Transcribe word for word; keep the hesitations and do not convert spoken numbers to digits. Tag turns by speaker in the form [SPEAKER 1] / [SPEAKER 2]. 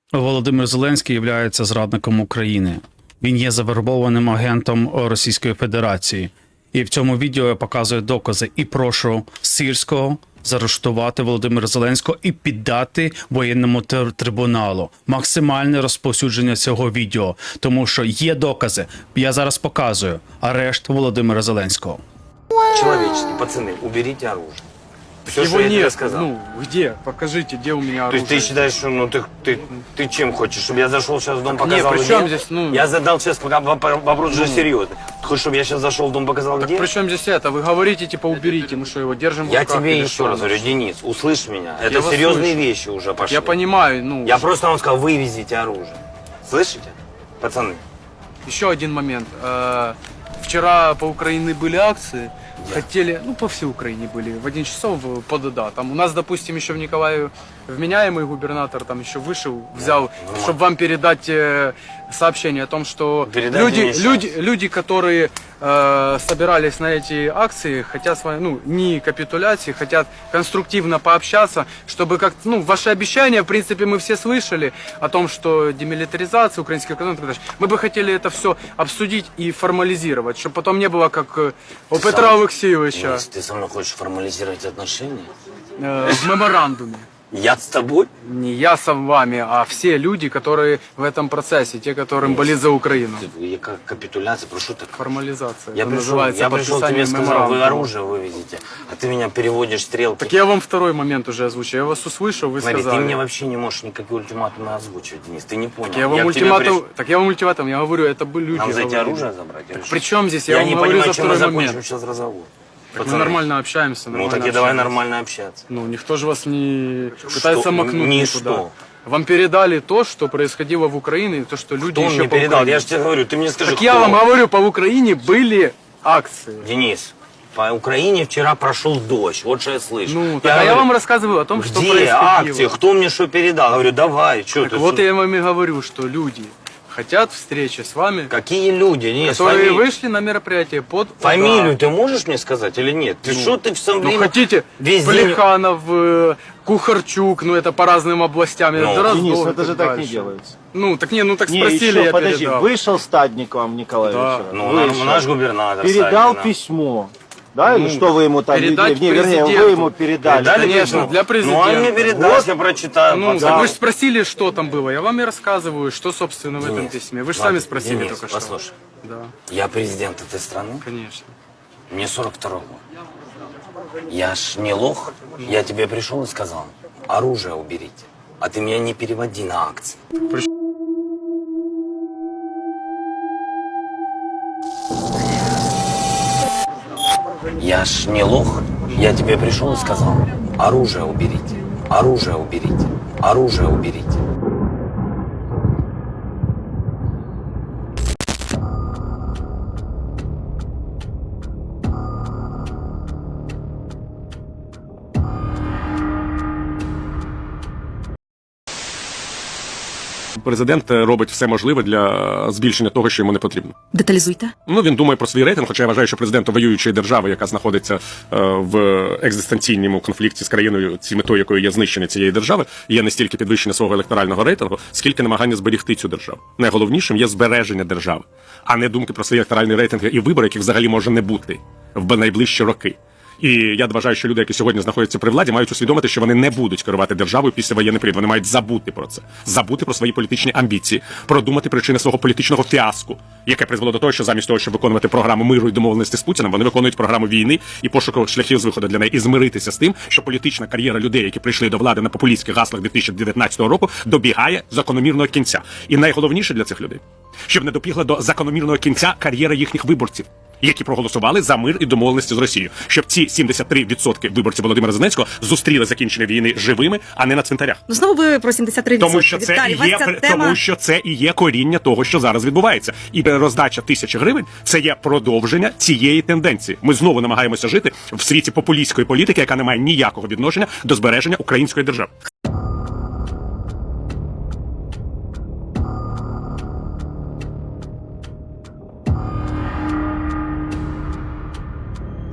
[SPEAKER 1] Володимир Зеленський є зрадником України. Він є завербованим агентом Російської Федерації. І в цьому відео я показую докази і прошу Сирського заарештувати Володимира Зеленського і піддати воєнному трибуналу. Максимальне розповсюдження цього відео, тому що є докази. Я зараз показую арешт Володимира Зеленського.
[SPEAKER 2] Человеческий, пацаны, уберите оружие. Все,
[SPEAKER 3] Его
[SPEAKER 2] что я тебе
[SPEAKER 3] нет.
[SPEAKER 2] сказал.
[SPEAKER 3] Ну, где? Покажите, где у меня
[SPEAKER 2] То
[SPEAKER 3] оружие.
[SPEAKER 2] есть ты считаешь, что ну ты, ты, ты чем хочешь? Чтобы я зашел сейчас в дом,
[SPEAKER 3] Так
[SPEAKER 2] показал
[SPEAKER 3] нет, при
[SPEAKER 2] где?
[SPEAKER 3] чем здесь, ну-
[SPEAKER 2] Я задал сейчас пока воп- вопрос же
[SPEAKER 3] Ну.
[SPEAKER 2] серьезный. Ты хочешь, чтобы я сейчас зашел в дом, показал
[SPEAKER 3] Так
[SPEAKER 2] где?
[SPEAKER 3] при чем здесь это? Вы говорите, типа, уберите. Мы что, его держим в
[SPEAKER 2] Я
[SPEAKER 3] руках
[SPEAKER 2] тебе
[SPEAKER 3] или
[SPEAKER 2] еще
[SPEAKER 3] что?
[SPEAKER 2] раз говорю, Денис, услышь меня. Это
[SPEAKER 3] Я вас
[SPEAKER 2] серьезные
[SPEAKER 3] слышу.
[SPEAKER 2] вещи уже пошли.
[SPEAKER 3] Я понимаю, ну...
[SPEAKER 2] Я просто вам сказал, вывезите оружие. Слышите, пацаны?
[SPEAKER 3] Еще один момент. Э, Вчера по Украине были акции. Хотели, ну по всей Украине были, в один часов по ДДА. Там у нас, допустим, еще в Николаеве вменяемый губернатор там еще вышел, взял,
[SPEAKER 2] нормально.
[SPEAKER 3] чтобы вам передать э, сообщение о том, что
[SPEAKER 2] Передайте
[SPEAKER 3] люди,
[SPEAKER 2] мне щас.
[SPEAKER 3] люди, люди, которые э, собирались на эти акции, хотят с вами, ну, не капитуляции, хотят конструктивно пообщаться, чтобы как, ну, ваши обещания, в принципе, мы все слышали о том, что демилитаризация, украинский кордон, и так далее. Мы бы хотели это все обсудить и формализировать, чтобы потом не было как э, у
[SPEAKER 2] Ты
[SPEAKER 3] Петра
[SPEAKER 2] сам-
[SPEAKER 3] Алексеевича
[SPEAKER 2] Денис, ты со мной хочешь формализировать отношения?
[SPEAKER 3] э, в меморандуме.
[SPEAKER 2] Я с тобой?
[SPEAKER 3] Не я с вами, а все люди, которые в этом процессе, те, которым болит за Украину.
[SPEAKER 2] Ты- Я как капитуляция, прошу так.
[SPEAKER 3] Формализация.
[SPEAKER 2] Я
[SPEAKER 3] это
[SPEAKER 2] пришел,
[SPEAKER 3] называется
[SPEAKER 2] я пришел тебе
[SPEAKER 3] подписание
[SPEAKER 2] сказал, вы
[SPEAKER 3] меморандума.
[SPEAKER 2] оружие вывезете, а ты меня переводишь стрелки.
[SPEAKER 3] Так я вам второй момент уже озвучил. Я вас услышал, вы
[SPEAKER 2] Смотри,
[SPEAKER 3] сказали.
[SPEAKER 2] ты мне вообще не можешь никакие ультиматумы озвучивать, Денис, ты не понял.
[SPEAKER 3] Так я вам
[SPEAKER 2] к тебе
[SPEAKER 3] ультиматум,
[SPEAKER 2] приш-
[SPEAKER 3] так я вам ультиматум, я говорю, это были люди.
[SPEAKER 2] Нам за эти
[SPEAKER 3] говорили.
[SPEAKER 2] оружие забрать? или что?
[SPEAKER 3] При чем здесь? Я,
[SPEAKER 2] Я
[SPEAKER 3] вам
[SPEAKER 2] не
[SPEAKER 3] говорю
[SPEAKER 2] понимаю,
[SPEAKER 3] за
[SPEAKER 2] чем мы
[SPEAKER 3] второй
[SPEAKER 2] закончим
[SPEAKER 3] момент.
[SPEAKER 2] сейчас разговор.
[SPEAKER 3] Так мы
[SPEAKER 2] Пацаны,
[SPEAKER 3] нормально общаемся,
[SPEAKER 2] Ну
[SPEAKER 3] нормально
[SPEAKER 2] так и давай
[SPEAKER 3] общаемся.
[SPEAKER 2] нормально общаться.
[SPEAKER 3] Ну, никто же вас не пытается макнуть
[SPEAKER 2] Ни
[SPEAKER 3] никуда.
[SPEAKER 2] что.
[SPEAKER 3] Вам передали то, что происходило в Украине, и то, что люди
[SPEAKER 2] Кто
[SPEAKER 3] еще
[SPEAKER 2] мне
[SPEAKER 3] по
[SPEAKER 2] передал?
[SPEAKER 3] Украине.
[SPEAKER 2] Я же тебе говорю, ты мне скажи,
[SPEAKER 3] Так
[SPEAKER 2] кто?
[SPEAKER 3] я вам говорю, по Украине были акции.
[SPEAKER 2] Денис, по Украине вчера прошел дождь, вот что я слышу.
[SPEAKER 3] Ну, так, а я
[SPEAKER 2] говорю,
[SPEAKER 3] вам рассказываю о том, что
[SPEAKER 2] где
[SPEAKER 3] происходило.
[SPEAKER 2] акции, кто мне что передал? Говорю, давай, что
[SPEAKER 3] Так
[SPEAKER 2] ты?
[SPEAKER 3] вот
[SPEAKER 2] что?
[SPEAKER 3] я вам и говорю, что люди хотят встречи с вами,
[SPEAKER 2] Какие люди, Денис,
[SPEAKER 3] которые
[SPEAKER 2] фамилию,
[SPEAKER 3] вышли на мероприятие под
[SPEAKER 2] фамилию
[SPEAKER 3] удар.
[SPEAKER 2] ты можешь мне сказать или нет? Ты что ты в самом
[SPEAKER 3] Ну
[SPEAKER 2] время
[SPEAKER 3] хотите,
[SPEAKER 2] весь день...
[SPEAKER 3] Плеханов, э, Кухарчук, ну это по разным областям.
[SPEAKER 2] Ну,
[SPEAKER 3] это Дроздов
[SPEAKER 4] Денис,
[SPEAKER 3] и
[SPEAKER 4] это же так не
[SPEAKER 3] дальше.
[SPEAKER 4] делается.
[SPEAKER 3] Ну так не, ну так
[SPEAKER 4] Не,
[SPEAKER 3] спросили,
[SPEAKER 4] еще,
[SPEAKER 3] я
[SPEAKER 4] подожди,
[SPEAKER 3] передал.
[SPEAKER 4] вышел Стадник вам, Николай
[SPEAKER 3] Да.
[SPEAKER 4] Вечеров,
[SPEAKER 2] Ну,
[SPEAKER 4] вышел,
[SPEAKER 2] наш губернатор.
[SPEAKER 4] передал
[SPEAKER 2] Савин, да.
[SPEAKER 4] письмо, да, или
[SPEAKER 3] Ну,
[SPEAKER 4] что вы ему там,
[SPEAKER 3] передать
[SPEAKER 4] не, вернее,
[SPEAKER 3] президенту.
[SPEAKER 4] вы ему передали.
[SPEAKER 2] Передали
[SPEAKER 3] Конечно,
[SPEAKER 2] письмо?
[SPEAKER 3] для президента.
[SPEAKER 2] Ну, он мне передаст,
[SPEAKER 4] Вот.
[SPEAKER 2] я прочитаю.
[SPEAKER 3] Ну,
[SPEAKER 2] пацан.
[SPEAKER 3] так вы же спросили, что там было. Я вам и рассказываю, что, собственно, в этом
[SPEAKER 2] Денис,
[SPEAKER 3] письме. Вы же
[SPEAKER 2] ладно,
[SPEAKER 3] сами спросили
[SPEAKER 2] Денис,
[SPEAKER 3] только что.
[SPEAKER 2] послушай,
[SPEAKER 3] Да,
[SPEAKER 2] я президент этой страны,
[SPEAKER 3] конечно.
[SPEAKER 2] мне сорок второй год. Я ж не лох, я тебе пришел и сказал, оружие уберите, а ты меня не переводи на акции. Я ж не лох, я тебе пришел и сказал, оружие уберите, оружие уберите, оружие уберите.
[SPEAKER 5] Президент робить все можливе для збільшення того, що йому не потрібно.
[SPEAKER 6] Деталізуйте.
[SPEAKER 5] Ну він думає про свій рейтинг, хоча я вважаю, що президентом воюючої держави, яка знаходиться е, в екзистенційному конфлікті з країною, ці метою якої є знищення цієї держави, є не стільки підвищення свого електорального рейтингу, скільки намагання зберегти цю державу. Найголовнішим є збереження держави, а не думки про свої електоральні рейтинги і вибори, яких взагалі може не бути в найближчі роки. І я вважаю, що люди, які сьогодні знаходяться при владі, мають усвідомити, що вони не будуть керувати державою після воєнний період. Вони мають забути про це, забути про свої політичні амбіції, продумати причини свого політичного фіаско, яке призвело до того, що замість того, щоб виконувати програму миру і домовленості з Путіним, вони виконують програму війни і пошуку шляхів з виходу для неї, і змиритися з тим, що політична кар'єра людей, які прийшли до влади на популістських гаслах дві тисячі дев'ятнадцятого року, добігає закономірного кінця. І найголовніше для цих людей, щоб не добігла до закономірного кінця кар'єра їхніх виборців, які проголосували за мир і домовленості з Росією, щоб ці сімдесят три відсотки виборців Володимира Зеленського зустріли закінчення війни живими, а не на цвинтарях.
[SPEAKER 6] Ну знову ви про сімдесят три відсотки.
[SPEAKER 5] Тому що це
[SPEAKER 6] Віталій,
[SPEAKER 5] і
[SPEAKER 6] вас
[SPEAKER 5] є
[SPEAKER 6] ця
[SPEAKER 5] при-
[SPEAKER 6] тема...
[SPEAKER 5] тому, що це і є коріння того, що зараз відбувається. І роздача тисячі гривень це є продовження цієї тенденції. Ми знову намагаємося жити в світі популістської політики, яка не має ніякого відношення до збереження української держави.